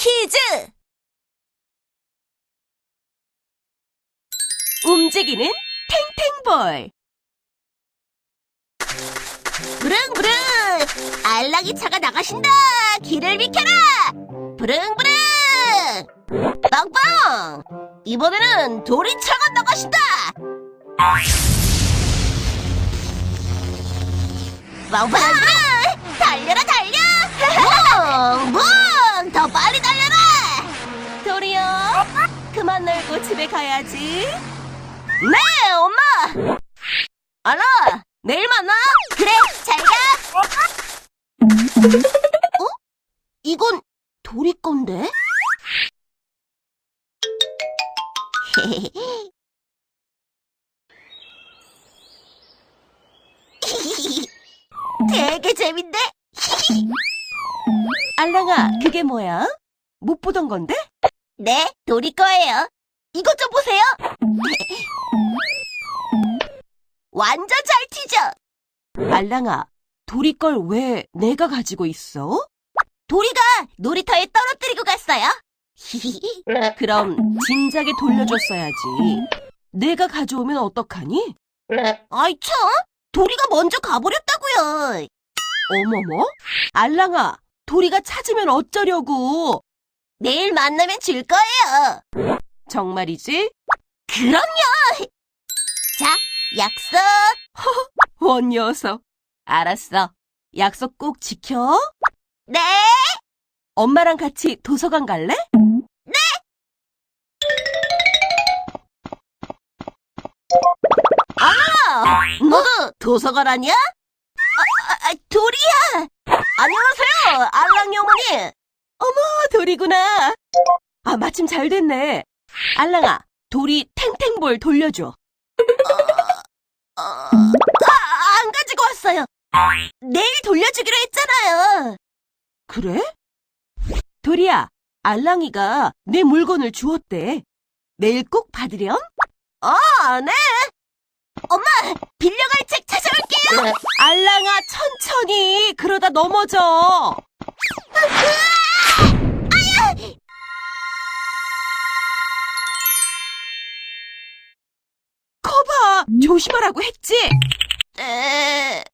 퀴즈! 움직이는 탱탱볼. 부릉부릉! 알랑이 차가 나가신다! 길을 비켜라! 부릉부릉! 빵빵! 이번에는 도리차가 나가신다! 빵빵! 달려라 달려! 뭉뭉! 더 빨리 달려라! 도리야, 그만 놀고 집에 가야지. 네, 엄마! 알아! 내일 만나! 그래, 잘 가! 어? 이건 도리 건데? 되게 재밌네! 알랑아, 그게 뭐야? 못 보던 건데? 네, 도리 거예요. 이것 좀 보세요! 완전 잘 튀죠? 알랑아, 도리 걸 왜 내가 가지고 있어? 도리가 놀이터에 떨어뜨리고 갔어요. 그럼 진작에 돌려줬어야지. 내가 가져오면 어떡하니? 아이 참, 도리가 먼저 가버렸다고요. 어머머? 알랑아, 도리가 찾으면 어쩌려고? 내일 만나면 줄 거예요. 정말이지? 그럼요. 자, 약속. 원 녀석. 알았어. 약속 꼭 지켜. 네. 엄마랑 같이 도서관 갈래? 네. 너도 도서관 아니야? 도리야. 안녕하세요, 알랑이 어머니. 어머, 도리구나. 아, 마침 잘 됐네. 알랑아, 도리 탱탱볼 돌려줘. 안 가지고 왔어요. 내일 돌려주기로 했잖아요. 그래? 도리야, 알랑이가 내 물건을 주었대. 내일 꼭 받으렴? 네. 엄마, 빌려갈 책 찾아올게요. 알랑아, 천천히. 그러다 넘어져. 커봐. 조심하라고 했지? 네.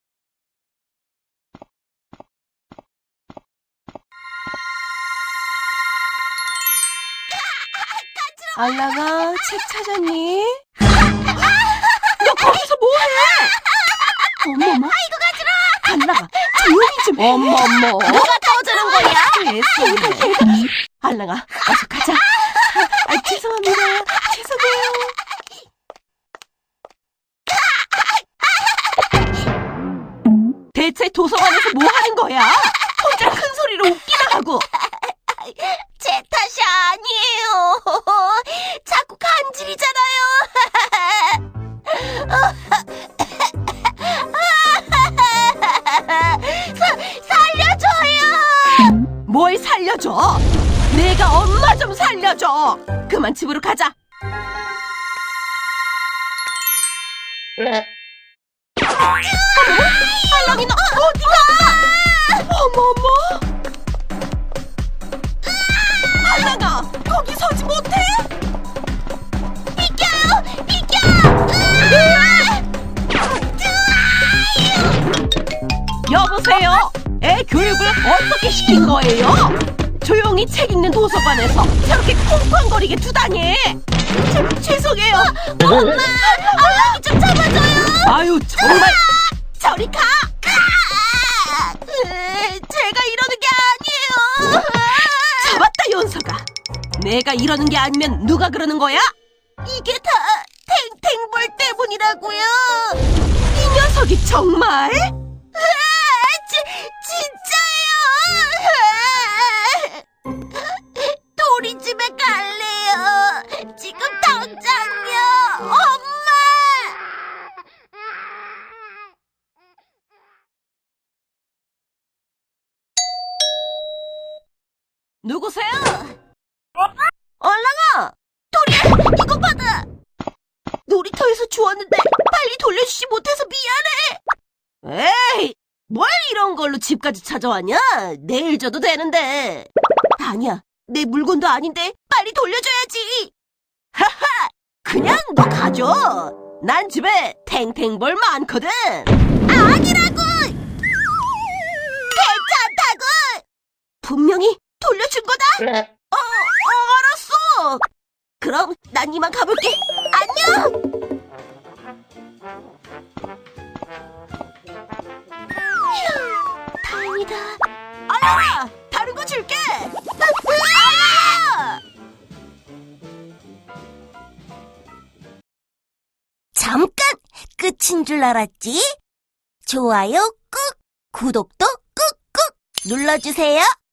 알랑아, 책 찾았니? 너 거기서 뭐해? 어머머. 아이고, 가지러. 알랑아, 조용히 좀. 어머머. 뭐가 터지는 거야? 됐어. 알랑아, 어서 가자. 죄송합니다. 죄송해요. 대체 도서관에서 뭐 하는 거야? 혼자 큰 소리로 웃기나 하고. 제 탓이 아니에요. 자꾸 간질이잖아요. 살려줘요. 뭘 살려줘? 내가 엄마 좀 살려줘. 그만 집으로 가자. 알랑이 너 어디가? 어머머. 알랑아, 거기 서지 못해? 비켜요, 비켜. 여보세요? 애 교육을 어떻게 시킨 거예요? 조용히 책 읽는 도서관에서 저렇게 쿵쾅거리게 두다니. 죄송해요. 엄마, 알랑이 좀 잡아줘요. 아유, 정말. 저리 가. 제가 이러는 게 아니에요. 잡았다, 연서가. 내가 이러는 게 아니면 누가 그러는 거야? 이게 다 탱탱볼 때문이라고요. 이 녀석이 정말? 진짜예요. 도리 집에 갈래요. 지금 당장요. 엄마. 누구세요? 얼랑아, 도리야, 이거 받아. 놀이터에서 주웠는데 빨리 돌려주지 못해서 미안해. 에이, 뭘 이런 걸로 집까지 찾아왔냐? 내일 줘도 되는데. 아니야. 내 물건도 아닌데 빨리 돌려줘야지. 하하! 그냥 너 가져. 난 집에 탱탱볼 많거든. 아니라고! 괜찮다고! 분명히 돌려준 거다. 알았어. 그럼 난 이만 가볼게. 안녕. 휴, 다행이다. 알라, 다른 거 줄게. 알라! 잠깐! 끝인 줄 알았지? 좋아요 꾹! 구독도 꾹꾹! 눌러주세요.